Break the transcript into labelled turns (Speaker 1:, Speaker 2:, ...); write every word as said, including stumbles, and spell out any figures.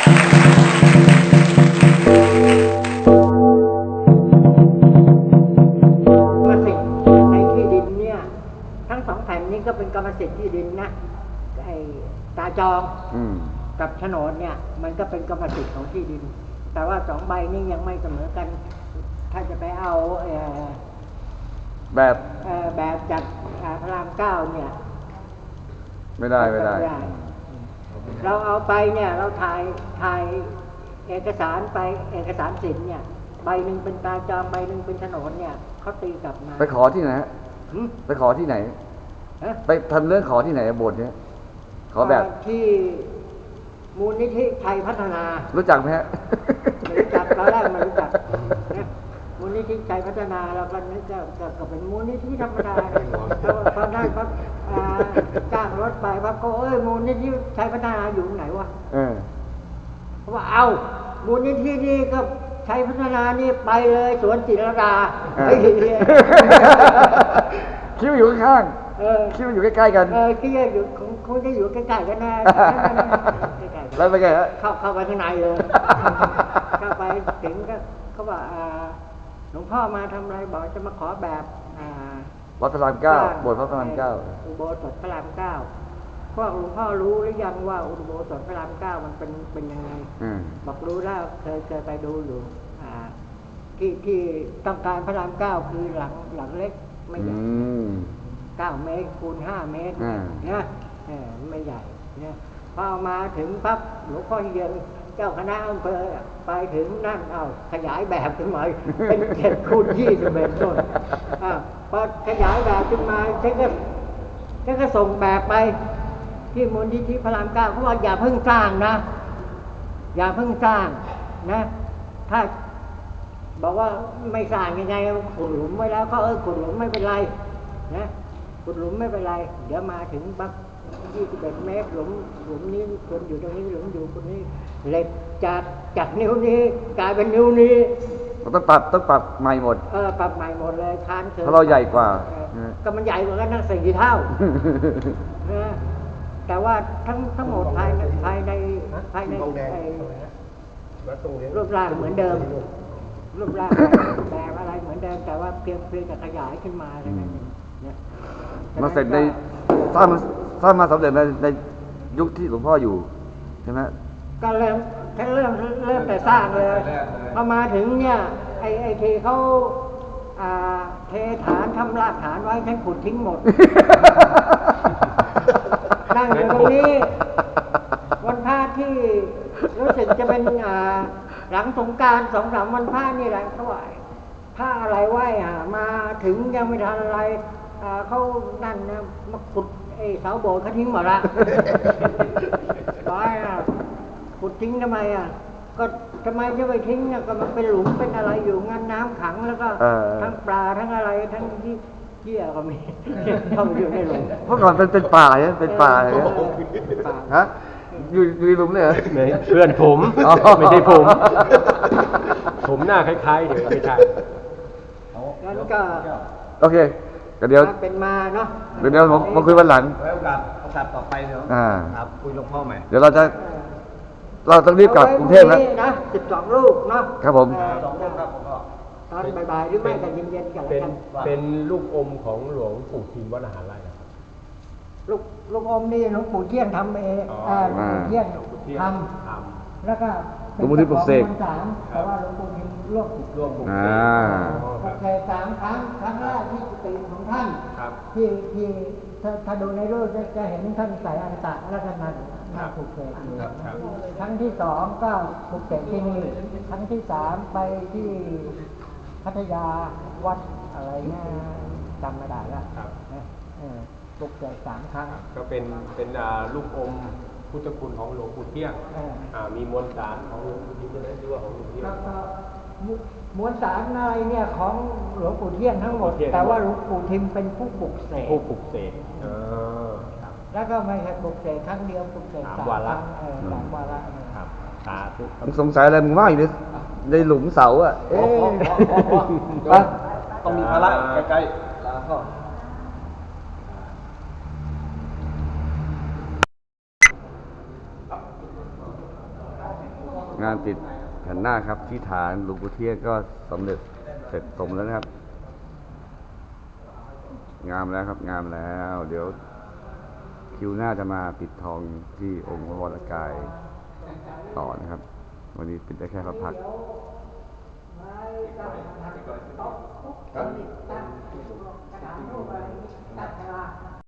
Speaker 1: ก็เป็นกรรมสิทธิ์ที่ดินนะไอ้ตาจองกับโฉนดเนี่ยมันก็เป็นกรรมสิทธิ์ของที่ดินแต่ว่าสองใบนี้ยังไม่เสมอกันถ้าจะไปเอา
Speaker 2: แบบ
Speaker 1: แบบจัดพระรามเก้าเนี่ย
Speaker 2: ไม่ได้ไม่ได้
Speaker 1: เราเอาไปเนี่ยเราถ่ายถ่ายเอกสารไปเอกสารสิทธิ์เนี่ยใบหนึ่งเป็นตาจองใบหนึ่งเป็นโฉนดเนี่ยเขาตีกลับมา
Speaker 2: ไปขอที่ไหนไปขอที่ไหนไปทำเรื่องขอที่ไหนบทเนี้ยขอแบบ
Speaker 1: ที่มูลนิธิไทยพัฒนา
Speaker 2: รู้จักไหมฮะ
Speaker 1: ไม่รู้จักตอนแรกไม่รู้จักนะมูลนิธิไทยพัฒนาเราก็นึกก็ก็เป็นมูลนิธิธรรมดาตอนนั้นปั๊บจ้างรถไปปั๊บก็เอ้ยมูลนิธิไทยพัฒนาอยู่ไหนวะเพราะว่าเอามูลนิธินี่ก็ไทยพัฒนานี่ไปเลยสวนจิรดา
Speaker 2: คิดว่าอยู่ข้างคิดว่าอยู่ใกล้ๆกัน
Speaker 1: เออคิดว่าอยู่คงจะอยู่ใกล้ๆกันนะ
Speaker 2: แล้วไปไงฮะ
Speaker 1: เข้าเข้าไปข้างในเลยเข้าไปถึงก็เขาบอกหลวงพ่อมาทำอะไรบอกจะมาขอแบบ
Speaker 2: วัดพระรามเก้าโบสถ์พระรามเก้า
Speaker 1: อุโบสถพระรามเก้าพวกหลวงพ่อรู้หรือยังว่าอุโบสถพระรามเก้ามันเป็นเป็นยังไงบอกรู้แล้วเคยเคยไปดูอยู่ที่ที่ต้องการพระรามเก้าคือหลังหลังเล็กไม่ใหญ่เก้าเมตรคูณห้าเมตรเนี่ยไม่ใหญ่เนี่ยพอมาถึงปั๊บหลวงพ่อเย็นเจ้าคณะอำเภอไปถึงนั่นเอาขยายแบบขึ้นมาเป็นเจ็ดคูณยี่สิบเอ็ดต้นพอขยายแบบขึ้นมาฉันก็ฉันก็ส่งแบบไปที่มูลนิธิพระรามเก้าเขาบอกอย่าเพิ่งสร้างนะอย่าเพิ่งสร้างนะถ้าบอกว่าไม่สร้างยังไงขุดหลุมไว้แล้วก็เออขุดหลุมไม่เป็นไรนะขุดหลุมไม่เป็นไรเดี๋ยวมาถึงปั๊บยี่สิบเอ็ดเมตรหลุมหลุมนี้คนอยู่ตรงนี้หลุมอยู่คนนี้เหล็กจากจากนิ้วนี้กลายเป็นนิ้วนี้
Speaker 2: ต้องปรับต้องปรับใหม่หมด
Speaker 1: เออปรับใหม่หมดเลยคานเถิด
Speaker 2: เพราะเราใหญ่กว่า
Speaker 1: ก็มันใหญ่กว่ากันนั่งสี่เท่านะแต่ว่าทั้งทั้งหมดภายในภายในภายในรูปร่างเหมือนเดิมรูปร่างแบบอะไรเหมือนเดิมแต่ว่าเพียงเพียงจะขยายขึ้นมาอะไรนั่นเองเนี่ย
Speaker 2: มาเสร็จในสร้างสร้างมาสำเร็จในในยุคที่หลวงพ่ออยู่ใช่ไหม
Speaker 1: ก็เริ่มฉันเริ่มเริ่มแต่สร้างเลยพอมาถึงเนี่ยไอไอทีเขาเทฐานทำรากฐานไว้ฉันขุดทิ้งหมดนั่งอยู่ตรงนี้วันพระที่รู้สึกจะเป็นหลังสงกรานต์สองสามวันพระนี่แหละเขาว่าผ้าอะไรไหวอ่ะมาถึงยังไม่ทันอะไรเขานั่นนะมาขุดไอ้เสาโบสถ์เขาทิ้งหมดละร้อยอ่ะขุดทิ้งทำไมอ่ะก็ทำไมจะไปทิ้งเนี่ยก็มันเป็นหลุมเป็นอะไรอยู่งั้นน้ำขังแล้วก็ทั้งปลาทั้งอะไรทั้งที่เหี้ยก็มีเข้าไปอยู่ในหลุม
Speaker 2: เมื่อก่อนเป็นเป็นป่าเนี่ยเป็นป่าเนี่ยฮะอยู่อยู่ในหลุมเลยเหรอ
Speaker 3: เพื่อนผมไม่ใช่ผมผมหน้าคล้ายๆเดี๋ยวไม่ใช่
Speaker 1: งั้นก็
Speaker 2: โอเคเดี๋ยว
Speaker 1: เป็นมาเนาะ
Speaker 2: เดี๋ยวเดี๋ยวมาคุยวันหลัง
Speaker 3: ไว้โอกาสโอกาสต่อไปเนาะครับคุยหลวงพ่อใหม่
Speaker 2: เดี๋ยวเราจะเราต้องรีบกลับกรุงเทพแล้ว
Speaker 1: นะสิบสองลูกเนาะ
Speaker 2: ครับผม
Speaker 1: สองลูกครับตอนบ่ายๆหรือไม่กันเย็นๆกัน
Speaker 3: เป็นเป็นลูกอมของหลวงปู่ทิมวัดอาหารไร่ครับ
Speaker 1: ลูกลูกอมนี่หลวงปู่เที่ยงทำเองหลวงปู่เที่ยงทำแล้วก็
Speaker 2: หลวงปู่ทิมปลุกเสก
Speaker 1: แต่ว่าหลวงปู่ทิมร่วม
Speaker 3: ร่วมปลุกเสก
Speaker 1: ปลุกเสกสามครั้งครั้งแรกที่กุฏิของท่านที่ที่ถ้าดูในรูปจะเห็นท่านใส่อันตะแล้วก็นั่นนั่งปลุกเสกอยู่ครั้งที่สองก็ปลุกเสกที่นี่ครั้งที่สามไปที่พัทยาวัดอะไรเนี่ยจำไม่ได้แล้วปลุกเสกสามครั้ง
Speaker 3: ก็เป็นเป็นลูกอมพุทธคุณของหลวงปู่เที่ยงมีมวลสารของหลวงปู่เที่ยงด้วยด้วยของหลวงปู่เที่ยง
Speaker 1: มวลสารอะไรเนี่ยของหลวงปู่เที่ยงทั้งหมดแต่ว่าหลวงปู่ทิมเป็นผู้ปลุกเสก
Speaker 3: ผู้ปลุกเสก
Speaker 1: แล้วก็ไม่ใช่ปลุกเสกครั้งเดียวปลุกเสกสามวาระสามวาระ
Speaker 3: ครับสาธุ
Speaker 2: มึงสงสัยอะไรมึงว่าอยู่ในหลุมเสาอ่ะเอ๊ะ
Speaker 3: ต้องมีภาระใกล้ๆแล้วก็
Speaker 2: งานติดแผ่นหน้าครับที่ฐานหลวงปู่เทียนก็สำเร็จเสร็จสมแล้วนะครับ งามแล้วครับงามแล้ว เดี๋ยวคิวหน้าจะมาปิดทองที่องค์พระวรกายต่อนะครับ วันนี้ปิดได้แค่พระพักตร์
Speaker 1: ตั้งกระดาษรูปอะไรตั้งฉลาก